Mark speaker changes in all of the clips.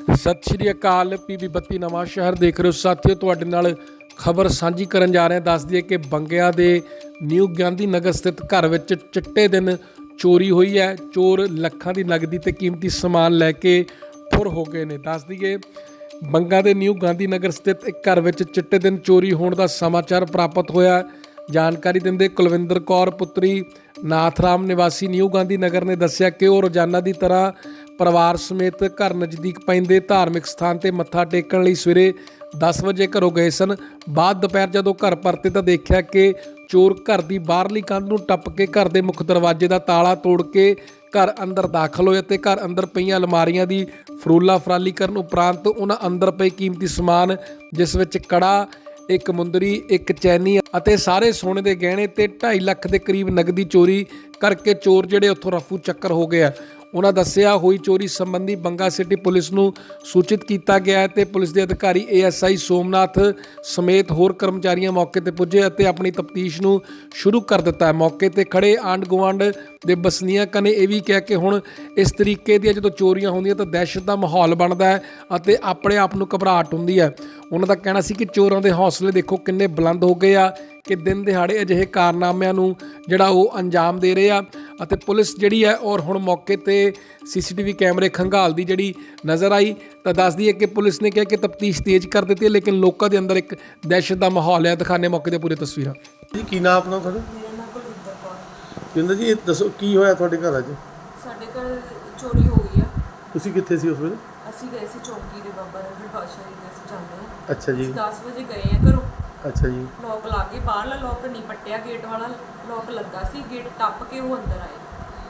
Speaker 1: सत श्री अकाल पीवी 32 नवां शहर देख रहे हो साथियों। तुहाडे नाल खबर साझी करन जा रहे हैं। दस दिए कि बंगिया के न्यू गांधी नगर स्थित घर में चिट्टे दिन चोरी हुई है। चोर लखां की नगदी ते कीमती समान लैके फुर हो गए ने। दस दिए बंगा के न्यू गांधी नगर स्थित एक घर में चिट्टे दिन चोरी होने का समाचार प्राप्त होया। जानकारी दिंदे कुलविंदर कौर पुत्री नाथराम निवासी न्यू गांधी नगर ने दस्सिया कि वो रोजाना की तरह परिवार समेत घर नज़दीक पैंदे धार्मिक स्थान पर मत्था टेकण लई सवेरे 10 वजे घरों गए सन। बाद दोपहर जदों घर परते तो देखा कि चोर घर की बाहरली कंध नूं टप के घर के मुख दरवाजे का ताला तोड़ के घर अंदर दाखल होए ते घर अंदर पईआं अलमारियां की फरोला फराली करन उपरंत उन्हां अंदर पए कीमती समान जिस विच कड़ा, एक मुंदरी, एक चैनी ਅਤੇ ਸਾਰੇ सोने के गहने ਤੇ 2.5 ਲੱਖ ਦੇ ਕਰੀਬ ਨਗਦੀ ਚੋਰੀ ਕਰਕੇ ਚੋਰ ਜਿਹੜੇ ਉੱਥੋਂ ਰਫੂ ਚੱਕਰ ਹੋ ਗਏ ਆ। ਉਹਨਾਂ ਦੱਸਿਆ ਹੋਈ ਚੋਰੀ ਸੰਬੰਧੀ ਬੰਗਾ ਸਿਟੀ ਪੁਲਿਸ ਨੂੰ ਸੂਚਿਤ ਕੀਤਾ ਗਿਆ ਹੈ ਤੇ ਪੁਲਿਸ ਦੇ ਅਧਿਕਾਰੀ ASI ਸੋਮਨਾਥ ਸਮੇਤ ਹੋਰ ਕਰਮਚਾਰੀਆਂ ਮੌਕੇ ਤੇ ਪੁੱਜੇ ਅਤੇ ਆਪਣੀ ਤਫਤੀਸ਼ ਨੂੰ ਸ਼ੁਰੂ ਕਰ ਦਿੱਤਾ ਹੈ। ਮੌਕੇ ਤੇ ਖੜੇ ਆਂਢ ਗੁਆਂਢ ਦੇ ਵਸਨੀਕਾਂ ਨੇ ਇਹ ਵੀ ਕਿਹਾ ਕਿ ਹੁਣ ਇਸ ਤਰੀਕੇ ਦੀਆਂ ਜਦੋਂ ਚੋਰੀਆਂ ਹੁੰਦੀਆਂ ਤਾਂ ਦਹਿਸ਼ਤ ਦਾ ਮਾਹੌਲ ਬਣਦਾ ਹੈ ਅਤੇ ਆਪਣੇ ਆਪ ਨੂੰ ਘਬਰਾਹਟ ਹੁੰਦੀ ਹੈ। ਉਹਨਾਂ ਦਾ ਕਹਿਣਾ ਸੀ ਕਿ ਚੋਰਾਂ ਦੇ ਹੌਸਲੇ ਦੇਖੋ ਕਿੰਨੇ ਬੁਲੰਦ ਹੋ ਗਏ ਆ ਕਿ दिन दिहाड़े अजिहे कारनामिਆਂ ਨੂੰ ਜਿਹੜਾ ਉਹ ਅੰਜਾਮ ਦੇ ਰਹੇ ਆ। ਅਤੇ ਪੁਲਿਸ ਜਿਹੜੀ ਹੈ ਔਰ ਹੁਣ ਮੌਕੇ ਤੇ CCTV ਕੈਮਰੇ ਖੰਗਾਲ ਦੀ ਜਿਹੜੀ ਨਜ਼ਰ ਆਈ ਤਾਂ ਦੱਸਦੀ ਹੈ ਕਿ ਪੁਲਿਸ ਨੇ ਕਿਹਾ ਕਿ ਤਫਤੀਸ਼ ਤੇਜ਼ ਕਰ ਦਿੱਤੀ ਹੈ, ਲੇਕਿਨ ਲੋਕਾਂ ਦੇ ਅੰਦਰ ਇੱਕ ਦਹਿਸ਼ਤ ਦਾ ਮਾਹੌਲ ਹੈ। ਦਿਖਾਣੇ ਮੌਕੇ ਤੇ ਪੂਰੀ ਤਸਵੀਰਾਂ।
Speaker 2: ਜੀ ਕੀ ਨਾਮ ਆਪਣਾ ਤੁਹਾਡਾ?
Speaker 3: ਮੇਰਾ ਨਾਮ ਕੁਲਵਿੰਦਰ ਕੌਰ।
Speaker 2: ਕਹਿੰਦਾ ਜੀ ਇਹ ਦੱਸੋ ਕੀ ਹੋਇਆ ਤੁਹਾਡੇ ਘਰ ਅੱਜ?
Speaker 3: ਸਾਡੇ ਘਰ ਚੋਰੀ ਹੋ ਗਈ ਆ।
Speaker 2: ਤੁਸੀਂ ਕਿੱਥੇ ਸੀ ਉਸ ਵੇਲੇ?
Speaker 3: ਅਸੀਂ ਗਏ ਸੀ ਚੌਂਕੀ ਦੇ ਬਾਬਾ ਰਣਜੀਤ ਬਾਦਸ਼ਾਹ ਜੀ ਦੇ ਅਸੀਂ ਜਾਂਦੇ ਹਾਂ।
Speaker 2: ਅੱਛਾ ਜੀ।
Speaker 3: 10 ਵਜੇ ਗਏ ਆ ਘਰੋਂ।
Speaker 2: ਅੱਛਾ ਜੀ।
Speaker 3: ਲੋਕ ਲਾ ਕੇ ਬਾਹਰਲਾ ਲੋਕ ਨਹੀਂ ਪੱਟਿਆ, ਗੇਟ ਵਾਲਾ ਲੋਕ ਲੱਗਾ ਸੀ। ਗੇਟ ਟੱਪ ਕੇ ਉਹ ਅੰਦਰ ਆਏ।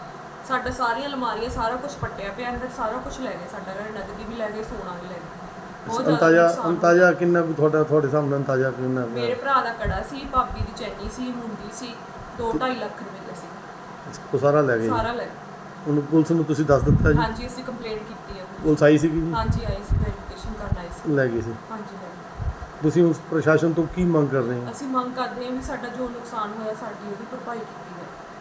Speaker 3: ਸਾਡਾ ਸਾਰੀਆਂ ਅਲਮਾਰੀਆਂ ਸਾਰਾ ਕੁਝ ਪੱਟਿਆ ਪਿਆ, ਅੰਦਰ ਸਾਰਾ ਕੁਝ ਲੈ ਗਏ। ਸਾਡਾ ਘਰ ਨਗਦੀ ਵੀ ਲੈ ਗਏ, ਸੋਨਾ ਵੀ ਲੈ ਗਏ। ਬਹੁਤ ਜ਼ਿਆਦਾ
Speaker 2: ਅੰਤਾਜ਼ਾ ਕਿੰਨਾ ਕੁ ਤੁਹਾਡੇ ਸਾਹਮਣੇ ਅੰਤਾਜ਼ਾ ਕਿੰਨਾ?
Speaker 3: ਮੇਰੇ ਭਰਾ ਦਾ ਕੜਾ ਸੀ, ਭਾਬੀ ਦੀ ਚੈਨੀ ਸੀ, ਮੁੰਦੀ ਸੀ, 2-2.5 ਲੱਖ ਰੁਪਏ ਸੀ।
Speaker 2: ਉਹ ਸਾਰਾ ਲੈ ਗਏ?
Speaker 3: ਸਾਰਾ ਲੈ ਗਏ।
Speaker 2: ਉਹਨੂੰ ਪੁਲਿਸ ਨੂੰ ਤੁਸੀਂ ਦੱਸ ਦਿੱਤਾ ਜੀ?
Speaker 3: ਹਾਂਜੀ ਅਸੀਂ ਕੰਪਲੇਂਟ ਕੀਤੀ ਹੈ।
Speaker 2: ਪੁਲਿਸ ਆਈ ਸੀਗੀ ਜੀ?
Speaker 3: ਹਾਂਜੀ ਆਈ ਸੀ, ਵੈਰੀਫਿਕੇਸ਼ਨ ਕਰਨ ਆਈ ਸੀ।
Speaker 2: ਲੈ ਗਏ ਸੀ?
Speaker 3: ਹਾਂਜੀ ਲੈ ਗਏ।
Speaker 2: ਤੁਸੀਂ ਉਸ ਪ੍ਰਸ਼ਾਸਨ ਤੋਂ ਕੀ ਮੰਗ ਕਰ ਰਹੇ ਹੋ?
Speaker 3: ਅਸੀਂ ਮੰਗ ਕਰਦੇ ਹਾਂ ਵੀ ਸਾਡਾ ਜੋ ਨੁਕਸਾਨ ਹੋਇਆ ਸਾਡੀ ਉਹਦੀ ਭਰਪਾਈ ਕੀਤੀ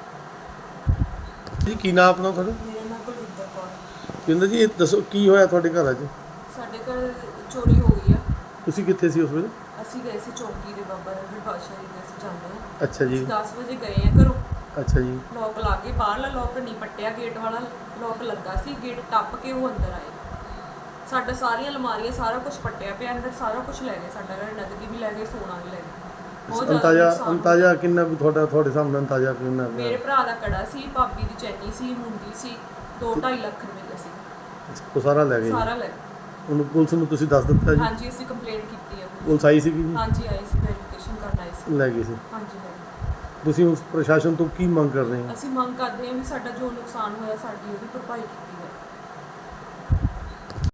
Speaker 3: ਜਾਵੇ।
Speaker 2: ਜੀ ਕੀ ਨਾਮ ਆਪਣਾ ਤੁਹਾਡਾ?
Speaker 3: ਮੇਰਾ ਨਾਮ ਕੁਲਵਿੰਦਰ ਕੌਰ।
Speaker 2: ਕਹਿੰਦਾ ਜੀ ਇਹ ਦੱਸੋ ਕੀ ਹੋਇਆ ਤੁਹਾਡੇ ਘਰ ਅੱਜ?
Speaker 3: ਸਾਡੇ ਘਰ ਚੋਰੀ ਹੋ ਗਈ ਆ।
Speaker 2: ਤੁਸੀਂ ਕਿੱਥੇ ਸੀ ਉਸ ਵੇਲੇ?
Speaker 3: ਅਸੀਂ ਗਏ ਸੀ ਚੌਂਕੀ ਦੇ ਬਾਬਾ ਰਣਜੀਤ ਬਾਦਸ਼ਾਹ ਜੀ ਦੇ ਅਸੀਂ ਜਾਂਦੇ ਹਾਂ।
Speaker 2: ਅੱਛਾ ਜੀ।
Speaker 3: 10 ਵਜੇ ਗਏ ਆ ਘਰੋਂ।
Speaker 2: ਅੱਛਾ ਜੀ।
Speaker 3: ਲੋਕ ਲਾ ਕੇ ਬਾਹਰਲਾ ਲੋਕ ਨਹੀਂ ਪੱਟਿਆ, ਗੇਟ ਵਾਲਾ ਲੋਕ ਲੱਗਾ ਸੀ। ਗੇਟ ਟੱਪ ਕੇ ਉਹ ਅੰਦਰ ਆਏ। ਸਾਡਾ ਸਾਰੀਆਂ ਅਲਮਾਰੀਆਂ ਸਾਰਾ ਕੁਝ ਪੱਟਿਆ ਪਿਆ, ਅੰਦਰ ਸਾਰਾ ਕੁਝ ਲੈ ਗਏ। ਸਾਡਾ ਘਰ ਨਗਦੀ ਵੀ ਲੈ ਗਏ, ਸੋਨਾ ਵੀ ਲੈ ਗਏ। ਬਹੁਤ ਜ਼ਿਆਦਾ
Speaker 2: ਅੰਤਾਜ਼ਾ ਕਿੰਨਾ ਕੁ ਤੁਹਾਡੇ ਸਾਹਮਣੇ ਅੰਤਾਜ਼ਾ ਕਿੰਨਾ?
Speaker 3: ਮੇਰੇ ਭਰਾ ਦਾ ਕੜਾ ਸੀ, ਭਾਬੀ ਦੀ ਚੈਨੀ ਸੀ, ਮੁੰਦੀ ਸੀ, 2-2.5 ਲੱਖ ਰੁਪਏ ਸੀ।
Speaker 2: ਉਹ ਸਾਰਾ ਲੈ ਗਏ?
Speaker 3: ਸਾਰਾ ਲੈ ਗਏ।
Speaker 2: ਉਹਨੂੰ ਪੁਲਿਸ ਨੂੰ ਤੁਸੀਂ ਦੱਸ ਦਿੱਤਾ ਜੀ?
Speaker 3: ਹਾਂਜੀ ਅਸੀਂ ਕੰਪਲੇਂਟ ਕੀਤੀ ਹੈ।
Speaker 2: ਪੁਲਿਸ ਆਈ ਸੀਗੀ ਜੀ?
Speaker 3: ਹਾਂਜੀ ਆਈ ਸੀ, ਵੈਰੀਫਿਕੇਸ਼ਨ ਕਰਨ ਆਈ ਸੀ।
Speaker 2: ਲੈ ਗਏ ਸੀ?
Speaker 3: ਹਾਂਜੀ ਲੈ ਗਏ।
Speaker 2: ਤੁਸੀਂ ਉਸ ਪ੍ਰਸ਼ਾਸਨ ਤੋਂ ਕੀ ਮੰਗ ਕਰ ਰਹੇ ਹੋ?
Speaker 3: ਅਸੀਂ ਮੰਗ ਕਰਦੇ ਹਾਂ ਵੀ ਸਾਡਾ ਜੋ ਨੁਕਸਾਨ ਹੋਇਆ ਸਾਡੀ ਉਹਦੀ ਭਰਪਾਈ ਕੀਤੀ ਜਾਵੇ।